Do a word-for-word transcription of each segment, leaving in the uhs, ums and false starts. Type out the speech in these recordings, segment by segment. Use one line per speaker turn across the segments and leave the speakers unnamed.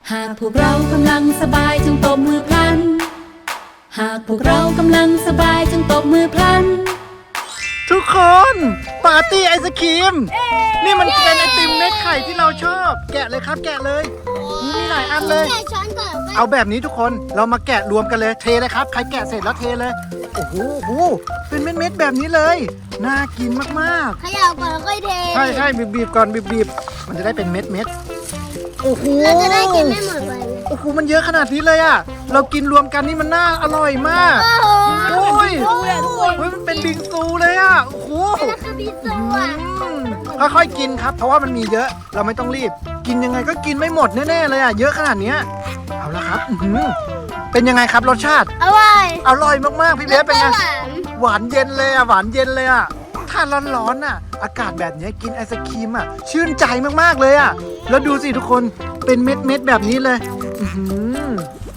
หากพวกเรากำลังสบายจงตบมือพลันหากพวกเรากำลังสบายจงตบมือพลัน
ทุกคนปาร์ตี้ไอศครีมนี่มันเป็นไอติมเม็ดไข่ที่เราชอบแกะเลยครับแกะเลยมีหลายอันเลยเอาแบบนี้ทุกคนเรามาแกะรวมกันเลยเทเลยครับใครแกะเสร็จแล้วเทเลยโอ้โหโอ้โหเป็นเม็ดๆแบบนี้เลยน่ากินมาก
ๆเขย่าก่อนแล้วค่อยเท
ใช่ใช่บีบๆก่อนบีบๆมันจะได้เป็นเม็ดๆโอ้โห
เราจะได้กินไม่หมดเลย
โอ้โหมันเยอะขนาดนี้เลยอ่ะเรากินรวมกันนี่มันน่าอร่อยมากโอ้ยเฮ้ยมันเป็นบิงซูเลยอ่ะโอ้โห
นั่นคือบิงซูอ่ะ
ค่อยๆกินครับเพราะว่ามันมีเยอะเราไม่ต้องรีบกินยังไงก็กินไม่หมดแน่ๆเลยอ่ะเยอะขนาดนี้เอาละครับเป็นยังไงครับรสชาติ
อร่อย
อร่อยมากๆพี่เบสเป็นไงหวานเย็นเลยอ่ะหวานเย็นเลยอ่ะถ้าร้อนๆอ่ะอากาศแบบนี้กินไอศครีมอ่ะชื่นใจมากๆเลยอ่ะแล้วดูสิทุกคนเป็นเม็ดๆแบบนี้เลยอื้อหือ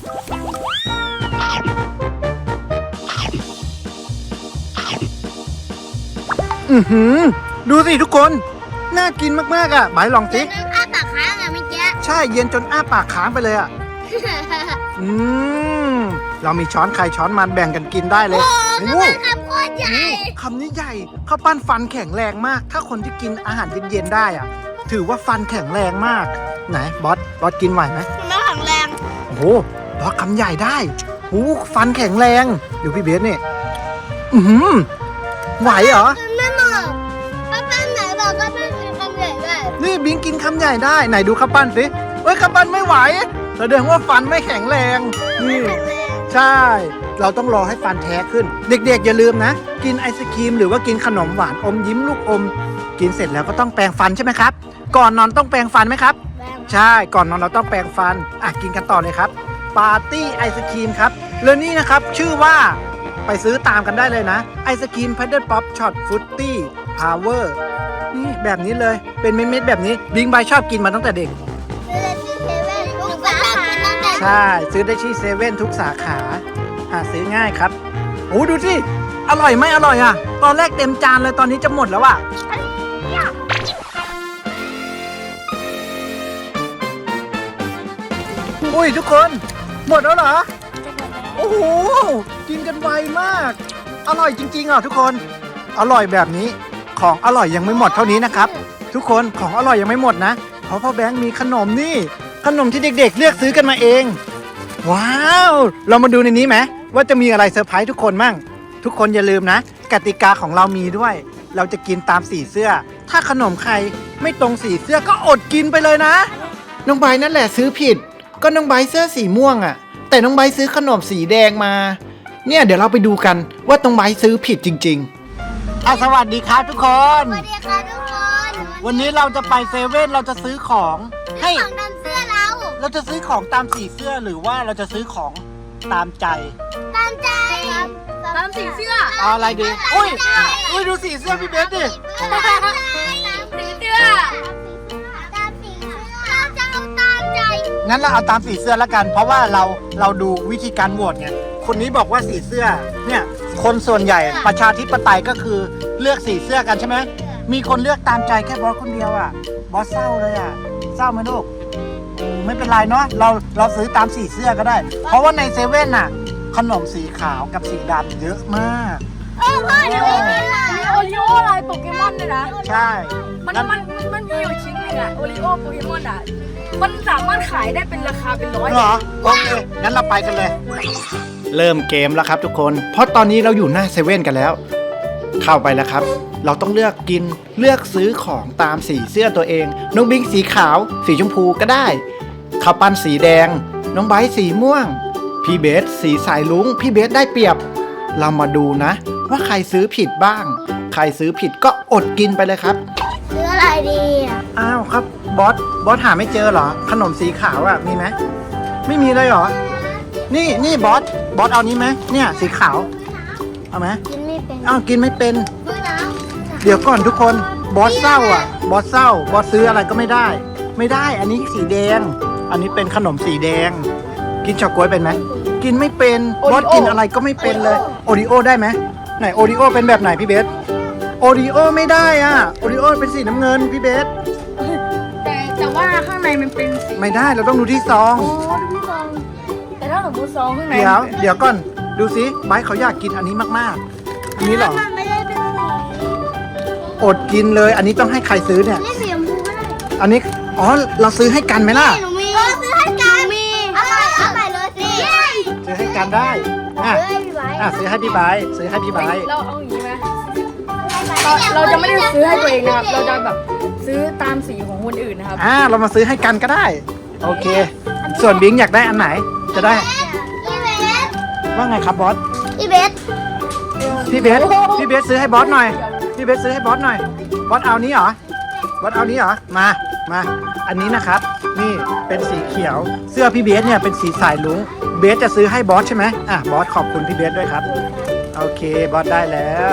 อือหือดูสิทุกคนน่ากินมากๆอ่ะหมายลองสิ
อ้าปากค้างอ่ะเมื่อกี้
ใช่เย็นจนอ้าปากค้างไปเลยอ่ะอืมเรามีช้อนใครช้อนมันแบ่งกันกินได้เลย
โอ้โหคำโคตรใหญ่
คำนี้ใหญ่ข้าวปั้นฟันแข็งแรงมากถ้าคนที่กินอาหารเย็นๆได้อ่ะถือว่าฟันแข็งแรงมากไหนบอสบอสกินไหวไหม
ไม่แข็งแรง
โอ้โหบอสคำใหญ่ได้โอ้ฟันแข็งแรงดูพี่เบสนี่อือไหวเหรอ
ไม่หมดข้าวปั้นไหนบอกข้าวปั้นกินคำใหญ่ได้
นี่บิงกินคำใหญ่ได้ไหนดูข้าวปั้นสิเฮ้ยข้าวปั้นไม่ไหวแสดงว่าฟันไม่แข็งแรงนี่ใช่เราต้องรอให้ฟันแท้ขึ้นเด็กๆอย่าลืมนะกินไอศครีมหรือว่ากินขนมหวานอมยิ้มลูกอมกินเสร็จแล้วก็ต้องแปรงฟันใช่ไหมครับก่อนนอนต้องแปรงฟันไหมครับใช่ก่อนนอนเราต้องแปรงฟันอ่ะกินกันต่อเลยครับปาร์ตี้ไอศครีมครับแล้วนี่นะครับชื่อว่าไปซื้อตามกันได้เลยนะไอศครีมพัดเดิลป๊อปช็อตฟรุตตี้พาวเวอร์นี่แบบนี้เลยเป็นเม็ดๆแบบนี้บิงใบชอบกินมาตั้งแต่เด็กใช่ซื้อได้ที่เซเว่นทุกสาขาหาซื้อง่ายครับโอ้ดูสิอร่อยไหมอร่อยอ่ะตอนแรกเต็มจานเลยตอนนี้จะหมดแล้วอ่ะอุ้ยทุกคนหมดแล้วเหรอโอ้โหกินกันไวมากอร่อยจริงๆอ่ะทุกคนอร่อยแบบนี้ของอร่อยยังไม่หมดเท่านี้นะครับทุกคนของอร่อยยังไม่หมดนะเพราะพ่อแบงค์มีขนมนี่ขนมที่เด็กๆเลือกซื้อกันมาเองว้าวเรามาดูในนี้ไหมว่าจะมีอะไรเซอร์ไพรส์ทุกคนมั่งทุกคนอย่าลืมนะกติกาของเรามีด้วยเราจะกินตามสีเสื้อถ้าขนมใครไม่ตรงสีเสื้อก็อดกินไปเลยนะน้องใบนั่นแหละซื้อผิดก็น้องใบเสื้อสีม่วงอ่ะแต่น้องใบซื้อขนมสีแดงมาเนี่ยเดี๋ยวเราไปดูกันว่าน้องใบซื้อผิดจริงๆอ่ะสวัสดีครับทุกคน
สวัสดีค่ะทุกคน
วันนี้เราจะไปเซเว่นเราจะซื้อของให้
ของตามเสื้อเรา
เราจะซื้อของตามสีเสื้อหรือว่าเราจะซื้อของตามใจ
ตามใจ
ตามสีเสื้อ
เอาอะไรดีอุ้ยอุ้ยดูสีเสื้อพี่เบสดิ
ตามสีเสื้อตามสีเสื้อเราจะเอาตามใจ
งั้นเราเอาตามสีเสื้อแล้วกันเพราะว่าเราเราดูวิธีการโหวตไงคนนี้บอกว่าสีเสื้อเนี่ยคนส่วนใหญ่ประชาธิปไตยก็คือเลือกสีเสื้อกันใช่ไหมมีคนเลือกตามใจแค่บอสคนเดียวอ่ะบอสเศร้าเลยอ่ะเศร้าไหมลูกไม่เป็นไรเนาะเราเราซื้อตามสีเสื้อก็ได้เพราะว่าในเซเว่นน่ะขนมสีขาวกับสีดำเยอะมาก
เออพ่อเดี๋ยว
มีโอริโอลายโปเกมอนด้วยนะ
ใช่
มันมันมันมีอยู่ชิ้นนึงอะโอริโอโปเกมอนอะมันสามารถขายได้เป็นราคาเป็นร้อย
เหรอโอเคงั้นเราไปกันเลยเริ่มเกมแล้วครับทุกคนเพราะตอนนี้เราอยู่หน้าเซเว่นกันแล้วเข้าไปแล้วครับเราต้องเลือกกินเลือกซื้อของตามสีเสื้อตัวเองน้องบิงสีขาวสีชมพูก็ได้ข้าวปั้นสีแดงน้องไบร์ทสีม่วงพี่เบสสีสายลุ้งพี่เบสได้เปรียบเรามาดูนะว่าใครซื้อผิดบ้างใครซื้อผิดก็อดกินไปเลยครับ
ซื้ออะไรดีอ่ะ
อ้าวครับบอสบอสหาไม่เจอเหรอขนมสีขาวอ่ะมีไหมไม่มีเลยเหรอนี่นี่บอสบอสเอานี้ไหมเนี่ยสีขาวเอาไหม
กินไม่เป็น
อ้าวกินไม่เป็นเดี๋ยวก่อนทุกคนบอสเศร้าอ่ะบอสเศร้าบอสซื้ออะไรก็ไม่ได้ไม่ได้อันนี้สีแดงอันนี้เป็นขนมสีแดงกินช็อกโกแลตเป็นไหมกินไม่เป็นบอสกินอะไรก็ไม่เป็นเลยโอริโอได้ไหมไหนโอริโอเป็นแบบไหนพี่เบสโอริโอไม่ได้อ่ะโอริโอเป็นสีน้ำเงินพี่เบส
แต่แต่ว
ว่าข้างในมันเป็นสี
ไม่ได้เราต้องดูที่ซอง
อ๋อดูซองแต่ถ้าสมมติซองข้างใน
เดี๋ยวเดี๋ยวก่อนดูสิไบร์ทเขาอยากกินอันนี้มากๆ อันนี้เหรอ
มันไม่ได้เป็นสี
อดกินเลย อันนี้ต้องให้ใครซื้อเนี่ย
นี่สีชมพูก็ได้
อันนี้อ๋อเราซื้อให้กันไหมล่ะ
หนูมีเออซื้อให้กันมีเอาไปเอาไปเลยสิ
ซื้อให้กันได้อ่ะ
เฮ้ยพี่ไว้
อ่ะซื้อให้พี่ไบร์ทซื้อให้พี่ไบร์ท
เราเอาอย่างนี้ไหมเราเราจะไม่ได้ซื้อให้ตัวเองนะครับเราจะแบบซื้อตามสีของคนอื่นนะครับ
อ่าเรามาซื้อให้กันก็ได้ โอเค ส่วนบิงอยากได้อันไหนจะได้
พี่เบส
ว่าไงครับบอส
พี่เบส
พี่เบสพี่เบสซื้อให้บอสหน่อยพี่เบสซื้อให้บอสหน่อยบอสเอานี้เหรอบอสเอานี้เหรอมามาอันนี้นะครับนี่เป็นสีเขียวเสื้อพี่เบสเนี่ยเป็นสีสายลุงเบสจะซื้อให้บอสใช่ไหมอ่ะบอสขอบคุณพี่เบสด้วยครับโอเคบอสได้แล้ว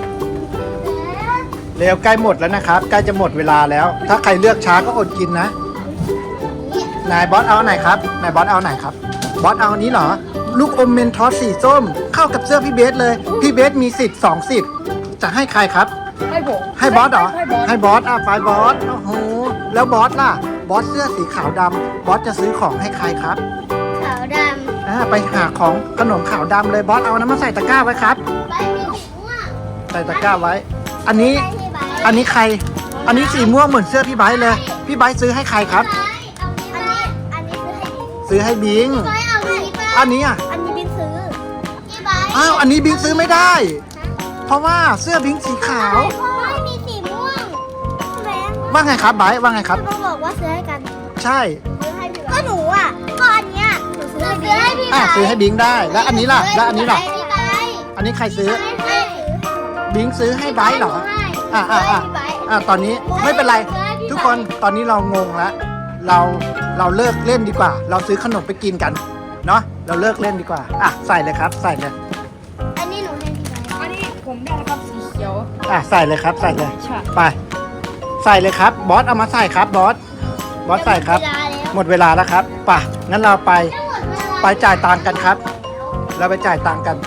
เร็วใกล้หมดแล้วนะครับใกล้จะหมดเวลาแล้ว ถ้าใครเลือกช้าก็อดกินนะนายบอสเอาไหนครับนายบอสเอาไหนครับบอสเอาอันนี้เหรอลูกอมเมนทอสสีส้มเข้ากับเสื้อพี่เบสเลยพี่เบสมีสิทธิ์สองสิทธิ์จะให้ใครครับ
ให้ผม
ให้บอสเหรอ
ให้บอส
ให้บอสอ่ะไฟบอสโอ้โหแล้วบอสล่ะบอสเสื้อสีขาวดำบอสจะซื้อของให้ใครครับ
ขาวด
อ่าไปหาของขนมขาวดำเลยบอสเอาน้ำมาใส่ตะกร้าไว้ครับ
ำใบมีสีม่วง
ใส่ตะกร้าไว้ อันนี้
พี่ไบ
อันนี้ใคร อันนี้สีม่วงเหมือนเสื้อพี่ไบร์ทเลย พี่ไบร์ทซื้อให้ใครครับ
อันนี้อันนี้ซื้อให้
ซื้อให้บิง
พี่ไบเอาอันนี้ไป
อันนี้อ่ะ
อันนี้บินซื้อพี่ไบ
อ้าวอันนี้บิงซื้อไม่ได้ เพราะว่าเสื้อบิงสีขาว
ไม่มีสีม่วงแม่
ว่าไงครับไบร์ทว่าไงครับ
เขาบอกว่าซื้อให้กัน
ใช่
ซื้อให้พี่ก็หนูอ่ะก็อันเนี้ยหนูซื้อให้พี่
อ่ะซื้อให้บิงได้ แล้วอันนี้ล่ะ แล้วอันนี้ล่ะ
พี่ไบ
อันนี้ใครซื้อ
ให้
บิงซื้อให้ไบร์ทเหรอ อ่ะอ่ะอ่ะอ่ะตอนนี้ไม่เป็นไรทุกคนตอนนี้เรางงแล้วเราเราเลิกเล่นดีกว่า เราซื้อขนมไปกินกันเนาะเราเลิกเล่นดีกว่าอ่ะใส่เลยครับ ใส่เลย
อันนี้หนูให้พี่ไบ
อันนี้ผมได้นะครับสีเขียว
อ่ะใส่เลยครับ ใส่เลย
ใช่
ไป ใส่เลยครับบอสเอามาใส่ครับบอสบอสใส่ครับ หมดเวลาแล้วครับไป่ะงั้นเราไปไปจ่ายตังค์กันครับ เราไปจ่ายตังค์กัน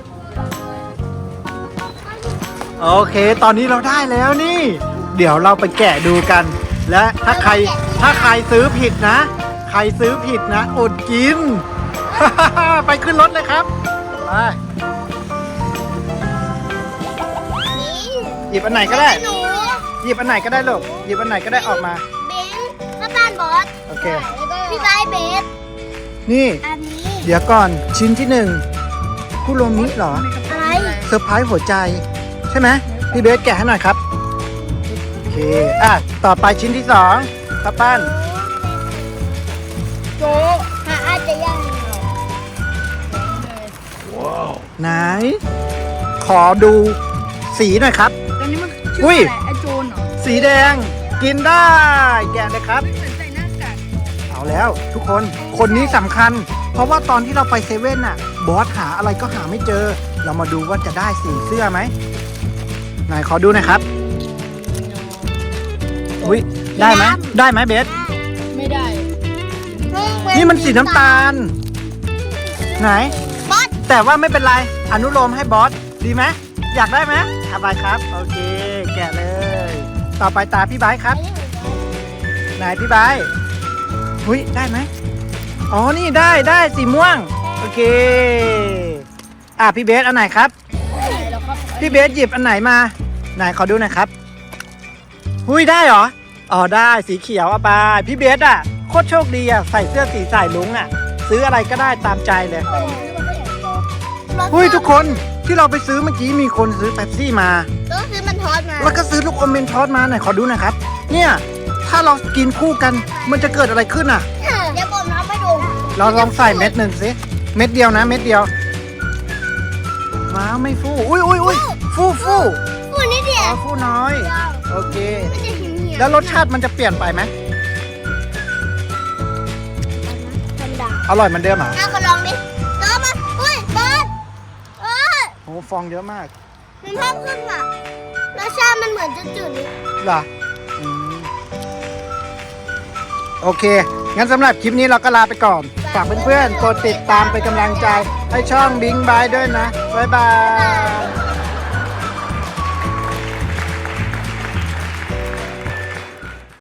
โอเค ตอนนี้เราได้แล้วนี่ เดี๋ยวเราไปแกะดูกัน และถ้าใครถ้าใครซื้อผิดนะ ใครซื้อผิดนะอดกิน ไปขึ้นรถเลยครับไปหยิบอันไหนก็ได้
หนู
หยิบอันไหนก็ได้ลูกหยิบอันไหนก็ได้ออกมา
เบนข้าวปั้นบอส
โอเค
พี่ไบเบส
นี่
อันนี้
เดี๋ยวก่อนชิ้นที่หนึ่งคุโรมิเหรอ
อะไร
เซอร์ไพรส์หัวใจ ใช่ไหมพี่เบสแกะให้หน่อยครับ โอเค อ่ะ ต่อไปชิ้นที่สองข้าวปั้น
โจ
หาอาจจะยัง
ไหน ขอดูสีหน่อยครับ
ตอนนี้มัน
อุ้
ชื่อย อะไรไอโจนเหรอ
สีแดงกินได้ แกะเลยครับ
เหมือนใส่หน้ากาก
เอาแล้วทุกคนคนนี้สำคัญ เพราะว่าตอนที่เราไปเซเว่นน่ะ บอสหาอะไรก็หาไม่เจอ เรามาดูว่าจะได้สีเสื้อไหมไหนขอดูหน่อยครับอุ้ยได้ไหมได้ไหมเบส
ไม่ได้
นี่มันสีน้ำตาล ไหน
บอส
แต่ว่าไม่เป็นไร อนุโลมให้บอส ดีไหมอยากได้ไหมเอาไปครับ โอเค แกะเลย ต่อไปตาพี่ไบร์ทครับ ไหนพี่ไบร์ทหุ้ย ได้ไหมอ๋อ นี่ได้ได้สีม่วง โอเค อ่ะพี่เบสอันไหนครับ พี่เบสหยิบอันไหนมา ไหนขอดูหน่อยครับหุ้ย ได้เหรอ อ๋อ ได้สีเขียวเอาไป พี่เบสอ่ะ โคตรโชคดีอ่ะ ใส่เสื้อสีสายลุงอ่ะ ซื้ออะไรก็ได้ตามใจเลย หุ้ยทุกคนที่เราไปซื้อเมื่อกี้มีคนซื้อเป๊ปซี่มา
ต้องซื้อมันทอดมา
แล้วก็ซื้อลูกอมเมนทอสมาหน่อยขอดูหน่อยครับ เนี่ยถ้าเรากินคู่กันมันจะเกิดอะไรขึ้นอ่ะ
เดี๋ยวผมเอาไปดู
เราลองใส่เม็ดหนึ่งสิเม็ดเดียวนะเม็ดเดียวว้าวไม่ฟูอุ้ยอุ้ยอุ้ยฟูฟู
พูดนิดเดีย
อ๋
ว
อฟูน้อยโอเค
ไม่ใช่หิมเหี่ยว
แล้วรสชาติมันจะเปลี่ยนไปไหม
ธรรมดา
อร่อยเหมือนเดิมเหรอ
เอาก็ลองดิเติมมาอุ้ยบอสเออ
โอ้ฟองเยอะมาก
มันเพิ่มขึ้นอ่ะรสชาติมันเหมือนจืดๆนิด
เหรออืมโอเค งั้นสำหรับคลิปนี้เราก็ลาไปก่อน ฝากเพื่อนๆ กดติดตามเป็นกำลังใจ ให้ช่องบิงบายด้วยนะ บ๊ายบาย